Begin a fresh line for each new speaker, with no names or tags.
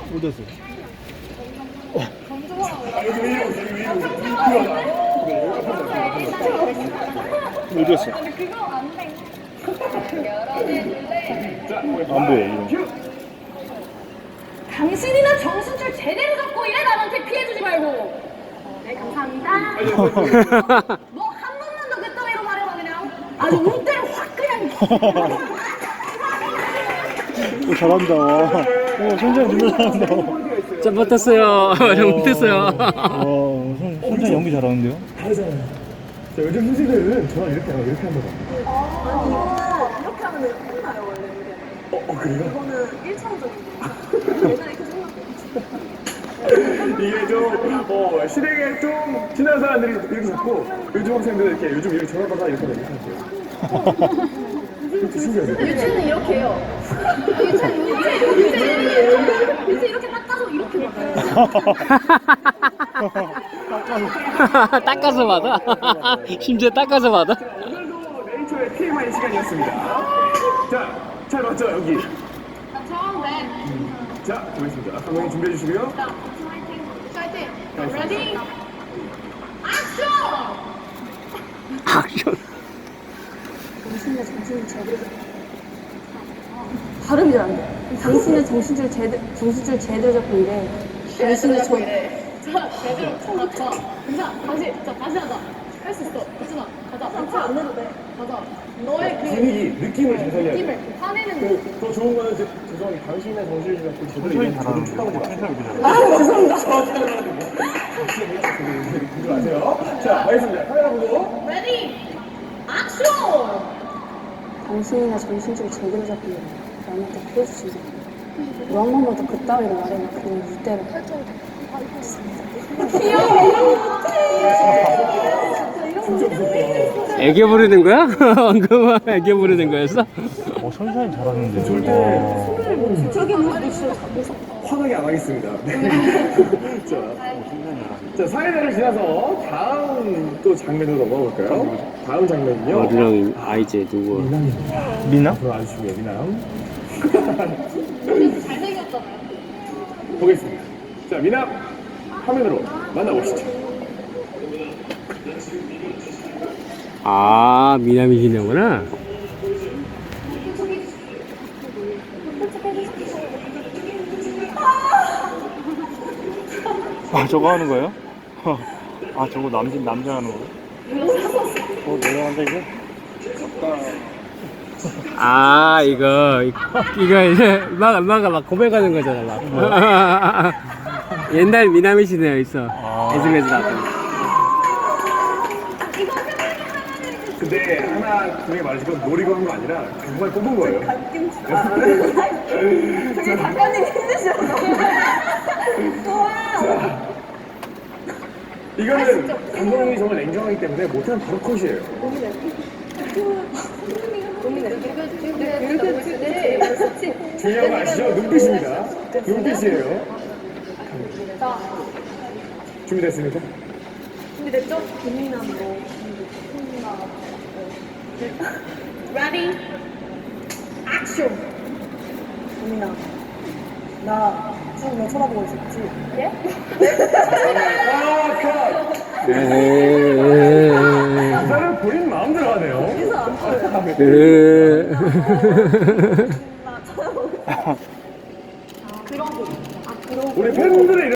어디였어? 어디였어?
근데 그거 안 돼.
안 보여 이거.
당신이나 정신줄 제대로 잡고 이래 남한테 피해주지 말고. 네 감사합니다. 뭐 한 번만 더 그따위로 말해봐 그냥. 아주 운대를 확 그냥.
오, 잘한다. 오, 손재현 진짜 잘한다.
좀 못했어요. 좀 못했어요.
손재현 연기 잘하는데요?
다르잖아요. 자, 요즘 선생님들은 저랑 이렇게 하고 이렇게 한번 봐.
이거 이렇게 하면 끝나요 원래 이게.
그래요?
이거는 1차원적이고 옛날에 그 생각도
이게 좀, 실행에 좀 지난 사람들이 이렇게 잡고, 요즘 학생들은 이렇게, 요즘 이렇게 전화받아 이렇게 하는 거예요. 이렇게 신기하죠?
유치는 이렇게 해요. 유치 이렇게 닦아서 이렇게 먹어요.
닦아서 받아. 심지어 닦아서 받아.
오늘도 네이처의 TMI 시간이었습니다. 자, 잘 맞죠, 여기?
처음 네.
자, 보겠습니다. 감독님 준비해 주시고요.
파이팅. 레디. 액션.
액션.
당신의 정신줄 제대로 발음이 잘 안 돼. 당신의 정신줄 제대로 잡고 이래. 당신의 정
자, 제대로 맞춰. 자, 다시 하자. 할 수 있어. 유진아, 가자.
상처 안 내도 돼.
가자. 너의 그
분위기, 느낌을 잘 살려야 돼요.
느낌을 화내는 느낌.
더 좋은 거는 죄송한데 당신의 정신을 잡고 제대로 얘기하면 저를 축하하지 마세요.
아 죄송합니다.
그러지 마세요. 자, 알겠습니다. 카메라 보고.
레디. 액션.
당신이나 정신줄 제대로 잡고 이래. 남한테 피해주지 마. 너한 번만 더 그따위로 말해봐. 그냥 이대로.
애교 부리는 거야? 방금 애교 부리는 거였어?
손재현 잘하는데.
절대
저기 모습이 진짜 잡혀서.
화나게 안 하겠습니다. 자, 사회자를 지나서 다음 또 장면으로 넘어가 볼까요? 다음 장면은요.
어디랑 아이제 누구?
미남입니다.
미나?
앞으로 아주 중요해, 미남.
잘생겼잖아요.
보겠습니다. 자, 미남 화면으로 만나보시죠.
아, 미남이시냐구나.
아, 저거 하는 거예요? 아, 저거 남자 하는 거예요? 내려간다 이거?
아, 이거 이제 막 고백하는 거잖아, 막. 옛날 미남이시네요, 있어. 에스메스 나왔던.
근데 하나 분명히 말해주고 노리고 한 거 아니라 정말 뽑은 거예요.
되게 작가님 힘드셔서.
이거는 감독님이 정말 냉정하기 때문에 못하면 바로 컷이에요. 중요한 거 아시죠? 눈빛입니다. 눈빛이에요. 준비됐습니까?
준비됐죠? 고민한 거.
레디. 액션.
고민아. 너 쳐다보고 있었지? 예?
아, 컷!
에헤이.
나는 본인 마음대로 하네요.
그래서 안 보여요.
에헤이.
나 쳐다보고.
우리 팬분들의